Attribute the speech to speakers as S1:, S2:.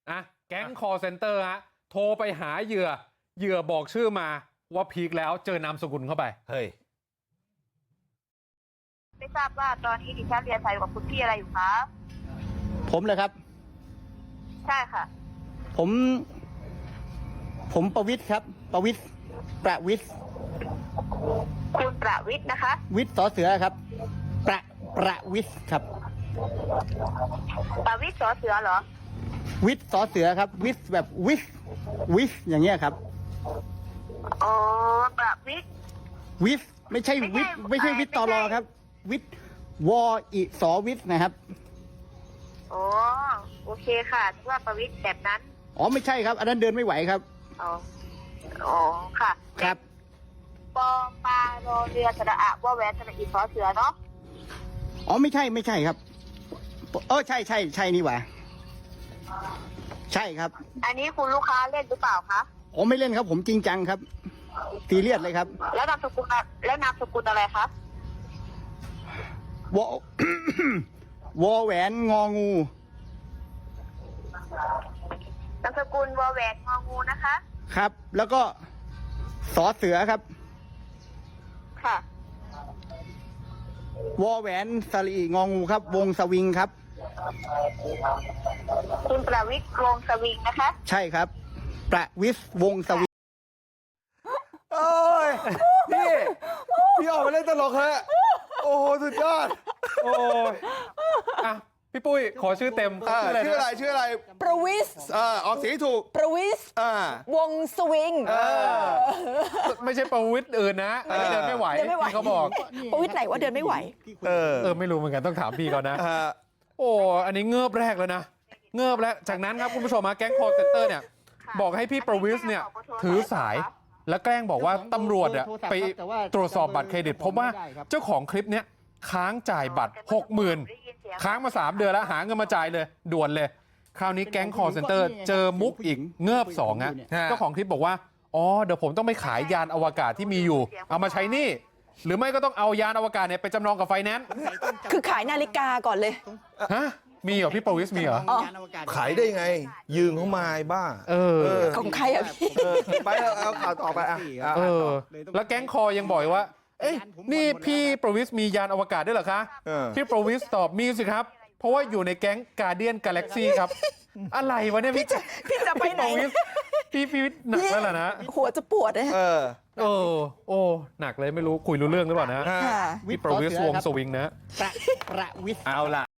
S1: อ่ะแก๊งคอร์เซนเตอร์ฮะโทรไปหาเหยื่อบอกชื่อมาว่าพีคแล้วเจอนามสกุลเข้าไป
S2: เฮ้ย
S3: ไม่ทราบว่าตอนนี้ดิฉันเรียนสายกับคุณพี่อะไรอยู่คะ
S4: ผมเลยครับ
S3: ใช่ค่ะ
S4: ผมประวิทย์ครับประวิทย์
S3: คุณประวิทย์นะคะ
S4: วิทย์สอเสือครับประวิทย์ครับ
S3: ประวิทย์สอเสือเหรอ
S4: วิทย์สอเสือครับวิทย์แบบวิทย์อย่างเงี้ยครับ
S3: อ๋อประวิทย์
S4: ไม่ใช่วิทย์ไม่ใช่วิทย์ตลอครับวิทย์วออิสอวิทย์นะครับ
S3: อ๋อโอเคค่ะว่าประวิทย์แบบนั้น
S4: อ๋อไม่ใช่ครับอันนั้นเดินไม่ไหวครับ
S3: อ๋อค่ะ
S4: ครับ
S3: ปอปลารอเรือสระอะว่าแหวนสระอีสอเสือเนาะ
S4: อ๋อไม่ใช่ครับใช่นี่หว่าใช่ครับ
S3: อันนี้คุณลูกค้าเล่นหรือเปล่าคะ
S4: ผมไม่เล่นครับผมจริงจังครับซีเรียสเลยครับ
S3: แล้วนามสกุลอะไรคะ
S4: วอ วอแหวนงองู
S3: นามสกุลวอแหวนงองูนะคะ
S4: ครับแล้วก็สอเสือครับ
S3: ค่ะ
S4: วอแหวนสลีงองูครับวงสวิงครับ
S3: คุณประวิทย์วงสวิงนะคะ
S4: ใช่ครับประวิทย์วงสวิง
S2: โอ้ยพี่ออกมาเล่นตลกฮะโอ้โหสุดยอด
S1: โอ้ยอ่ะพี่ปุ้ยขอชื่อเต็ม
S2: ชื่ออะไร
S5: ประวิส
S2: ออกเสียงถูก
S5: ประวิสวงสวิง
S1: ไม่ใช่ประวิทย์อื่นนะเดินไม่ไหวที่เขาบอก
S5: ประวิทย์ไหนว่าเดินไม่ไหว
S1: ไม่รู้เหมือนกันต้องถามพี่ก่อนนะโอ้อันนี้เงือบแรกแล้วนะเงือบแล้วจากนั้นครับคุณผู้ชมมาแก๊งคอร์เซนเตอร์เนี่ยบอกให้พี่ประวิทย์เนี่ยถือสายแล้วแกล้งบอกว่าตำรวจไปตรวจสอบบัตรเครดิตพบว่าเจ้าของคลิปนี้ค้างจ่ายบัตร 60,000 ค้างมา3 เดือนแล้วหาเงินมาจ่ายเลยด่วนเลยคราวนี้แก๊งคอร์เซนเตอร์เจอมุกอีกเงือบ2ฮะเจ้าของคลิปบอกว่าอ๋อเดี๋ยวผมต้องไปขายยานอวกาศที่มีอยู่เอามาใช้หนี้หรือไม่ก็ต้องเอายานอวกาศเนี่ยไปจำนองกับไฟแนนซ์
S5: คือขายนาฬิกาก่อนเลย
S1: ฮะมีเหรอพี่ประวิสมีเหรอ
S2: ขายได้ไงยืมเขามาบ้า
S5: ของใครอ่ะพี่
S2: ไปเอาข่าวต่อไป
S1: แล้วแก๊งคอยังบอกว่าเอ้ยนี่พี่ประวิสมียานอวกาศด้วยเหรอคะพี่ประวิสตอบมีสิครับเพราะว่าอยู่ในแก๊งการเดียนกาแล็กซี่ครับอะไรวะเนี่ย
S5: พี่จะไปไหน
S1: พี่หนักแล้วล่ะนะ
S5: หัวจะปวดเลย
S1: โอ้หนักเลยไม่รู้คุยรู้เรื่องหรือเปล่านะพี่ประวิสวงสวิงนะ
S4: ประวิส
S1: เอาล่ะ